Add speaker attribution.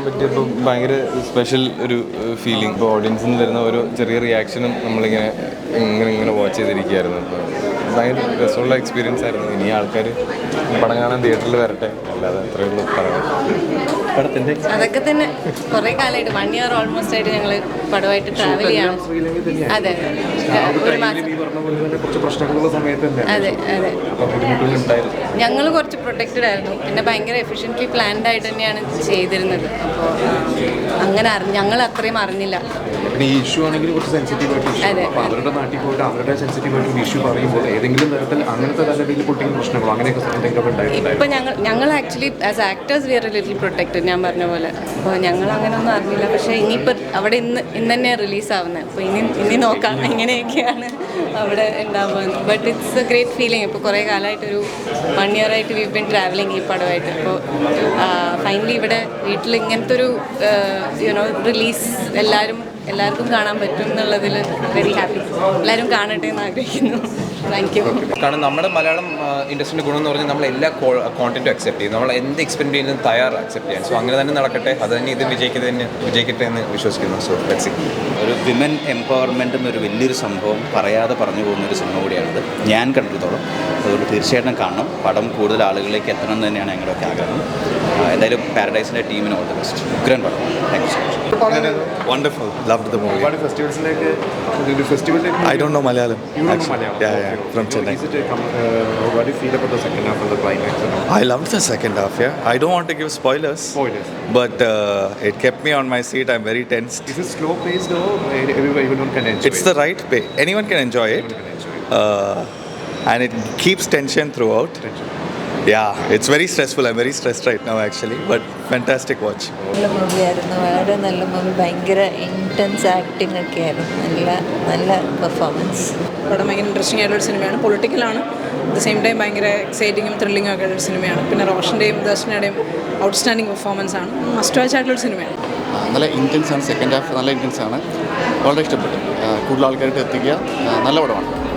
Speaker 1: പറ്റിയപ്പോൾ ഭയങ്കര സ്പെഷ്യൽ ഒരു ഫീലിംഗ്. ഇപ്പോൾ ഓഡിയൻസിൽ നിന്ന് വരുന്ന ഓരോ ചെറിയ റിയാക്ഷനും നമ്മളിങ്ങനെ ഇങ്ങനെ വാച്ച് ചെയ്തിരിക്കുകയായിരുന്നു. അപ്പോൾ ഭയങ്കര രസമുള്ള എക്സ്പീരിയൻസ് ആയിരുന്നു. ഇനി ആൾക്കാർ പടം കാണാൻ തിയേറ്ററിൽ വരട്ടെ, അല്ലാതെ അത്രയേ ഉള്ളൂ പറയാം.
Speaker 2: അതൊക്കെ തന്നെ കുറേ കാലമായിട്ട് 1 year ഓൾമോസ്റ്റ് ആയിട്ട് ഞങ്ങൾ പടമായിട്ട് ട്രാവൽ ചെയ്യാണ്. അതെ ഒരു മാസം. അതെ അതെ ഞങ്ങൾ കുറച്ച് പ്രൊട്ടക്റ്റഡ് ആയിരുന്നു. പിന്നെ ഭയങ്കര എഫിഷ്യൻ്റ്ലി പ്ലാൻഡ് ആയിട്ട് തന്നെയാണ് ചെയ്തിരുന്നത്. അപ്പോൾ അങ്ങനെ ഞങ്ങൾ അത്രയും അറിഞ്ഞില്ല.
Speaker 3: ഈ ഇഷ്യൂ ആണെങ്കിൽ കുറച്ച് സെൻസിറ്റീവ് ആയിട്ട് അവരുടെ നാട്ടിൽ പോയിട്ട് അവരുടെ സെൻസിറ്റീവ് ആയിട്ട് ഇഷ്യൂ പറയുമ്പോൾ ഏതെങ്കിലും തരത്തിൽ അങ്ങനത്തെ തലത്തിൽ പൊളിറ്റിക്കൽ പ്രശ്നങ്ങളോ അങ്ങനെയൊക്കെ എന്തെങ്കിലും ഉണ്ടായിട്ടുണ്ടായിരുന്നു.
Speaker 2: ഇപ്പം ഞങ്ങൾ actually as actors we are a little protected, ഞാൻ പറഞ്ഞ പോലെ. അപ്പോൾ ഞങ്ങൾ അങ്ങനെയൊന്നും അറിഞ്ഞില്ല. പക്ഷേ ഇനിയിപ്പോൾ അവിടെ ഇന്ന് തന്നെയാണ് റിലീസാവുന്നത്. അപ്പോൾ ഇനി നോക്കാം എങ്ങനെയൊക്കെയാണ് അവിടെ ഉണ്ടാവുന്നത്. But it's a great feeling. ഇപ്പോൾ കുറേ കാലമായിട്ടൊരു 1 year ആയിട്ട് വി ബിൻ ട്രാവലിംഗ് ഈ പടമായിട്ട്. അപ്പോൾ ഫൈനലി ഇവിടെ വീട്ടിൽ ഇങ്ങനത്തെ ഒരു റിലീസ് എല്ലാവർക്കും കാണാൻ പറ്റും എന്നുള്ളതിൽ വെരി ഹാപ്പി. എല്ലാവരും കാണട്ടെ എന്ന് ആഗ്രഹിക്കുന്നു. Thank you.
Speaker 4: കാരണം നമ്മുടെ മലയാളം ഇൻഡസ്ട്രിയുടെ ഗുണം എന്ന് പറഞ്ഞാൽ നമ്മൾ എല്ലാ കോണ്ടന്റും അക്സെപ്റ്റ് ചെയ്യും. നമ്മൾ എന്ത് എക്സ്പെരിമെന്റ് ചെയ്യുന്നതും അക്സെപ്റ്റ് ചെയ്യാൻ. സോ അങ്ങനെ തന്നെ നടക്കട്ടെ, അത് തന്നെ ഇത് വിജയിക്കട്ടെ എന്ന് വിശ്വസിക്കുന്നു. So let's see.
Speaker 5: ഒരു വിമൻ എംപവർമെൻ്റ് എന്നൊരു വലിയൊരു സംഭവം പറയാതെ പറഞ്ഞു പോകുന്നൊരു സിനിമ കൂടിയാണിത് ഞാൻ കണ്ടിടത്തോളം. അതുകൊണ്ട് തീർച്ചയായിട്ടും കാണണം. പടം കൂടുതൽ ആളുകളിലേക്ക് എത്തണം എന്ന് തന്നെയാണ് ഞങ്ങളുടെയൊക്കെ ആഗ്രഹം. എന്തായാലും പാരഡൈസിൻ്റെ ടീമിന് ഓൾ ദി ബെസ്റ്റ്. ഉഗ്രൻ പടം. Thank you so much.
Speaker 1: Wonderful. Loved the movie. I don't know Malayalam.
Speaker 3: You don't know Malayalam?
Speaker 1: Yeah, from Chennai.
Speaker 3: What do you feel about the second half of the climax?
Speaker 1: I loved the second half, yeah. I don't want to give spoilers. But it kept me on my seat. I'm very tense.
Speaker 3: Is it slow paced or everyone can enjoy it?
Speaker 1: It's the right pace. Anyone can enjoy it. And it keeps tension throughout. Yeah, it's very stressful. I'm very stressed right now actually, but fantastic watch.
Speaker 6: നല്ല മൂവിയായിരുന്നു, വളരെ നല്ല movie. ഭയങ്കര intense acting ഒക്കെ ആയിരുന്നു. നല്ല performance.
Speaker 7: പടം ഭയങ്കര interesting ആയിട്ടുള്ളൊരു സിനിമയാണ്. പൊളിറ്റിക്കലാണ്, അറ്റ് ദ സെയിം ടൈം ഭയങ്കര എക്സൈറ്റിങ്ങും ത്രില്ലിങ്ങും ഒക്കെ ഉള്ളൊരു സിനിമയാണ്. പിന്നെ റോഷൻ്റെയും ദർശനയുടെയും ഔട്ട്സ്റ്റാൻഡിങ് പെർഫോമൻസ് ആണ്. മസ്റ്റ് വാച്ച് ആയിട്ടുള്ളൊരു സിനിമയാണ്.
Speaker 8: നല്ല ഇൻറ്റൻസ് ആണ്. സെക്കൻഡ് ഹാഫ് നല്ല ഇൻറ്റൻസ് ആണ്. വളരെ ഇഷ്ടപ്പെട്ടു. കൂടുതൽ ആൾക്കാർക്ക് എത്തിക്കുക. നല്ല പടമാണ്.